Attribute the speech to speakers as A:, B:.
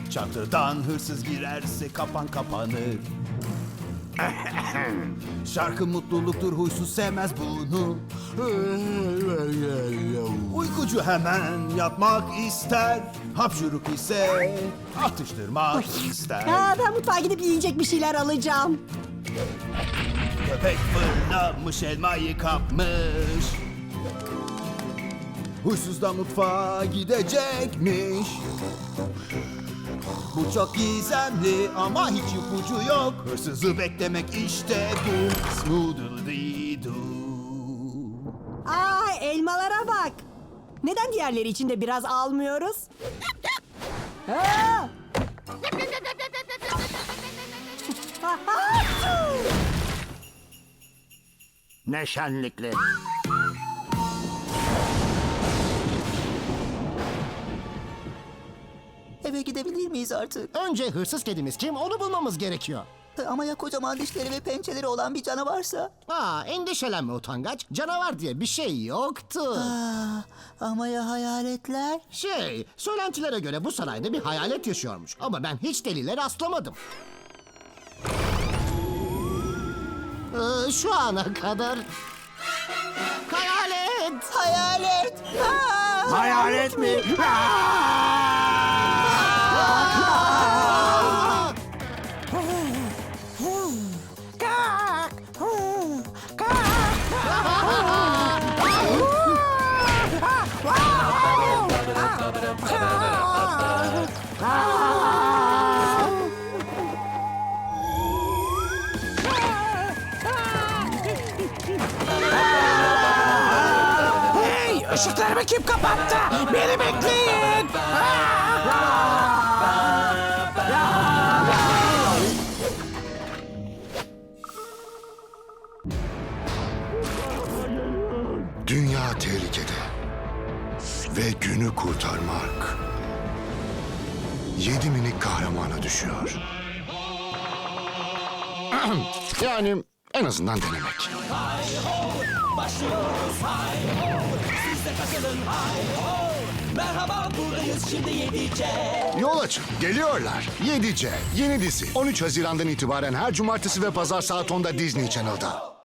A: Çatıdan hırsız girerse kapan kapanır. Şarkı mutluluktur, huysuz sevmez bunu. Uykucu hemen yatmak ister. Hapşuruk ise atıştırmak ister.
B: Ben mutfağa gidip yiyecek bir şeyler alacağım.
A: Köpek fırlamış, elmayı kapmış. Huysuz da mutfağa gidecekmiş. Bu çok gizemli ama hiç ipucu yok. Hırsızı beklemek işte bu. Smoodle-dee-doo.
B: Elmalara bak. Neden diğerleri için de biraz almıyoruz? Aa!
C: Ne şenlikli.
D: Eve gidebilir miyiz artık?
C: Önce hırsız kedimiz kim onu bulmamız gerekiyor.
D: Ama ya kocaman dişleri ve pençeleri olan bir canavarsa?
C: Endişelenme utangaç. Canavar diye bir şey yoktu.
D: Ama ya hayaletler?
C: Söylentilere göre bu sarayda bir hayalet yaşıyormuş. Ama ben hiç delile rastlamadım. Şu ana kadar... Hayalet!
D: Hayalet!
C: Hayalet mi?
E: Hey! Işıklarımı kim kapattı? Beni bekleyin!
F: Dünya tehlikede ve günü kurtarmak 7 minik kahramana düşüyor. Yani en azından denemek. Yol açın, geliyorlar. 7C, yeni dizi. 13 Haziran'dan itibaren her cumartesi ve pazar saat 10'da Disney Channel'da.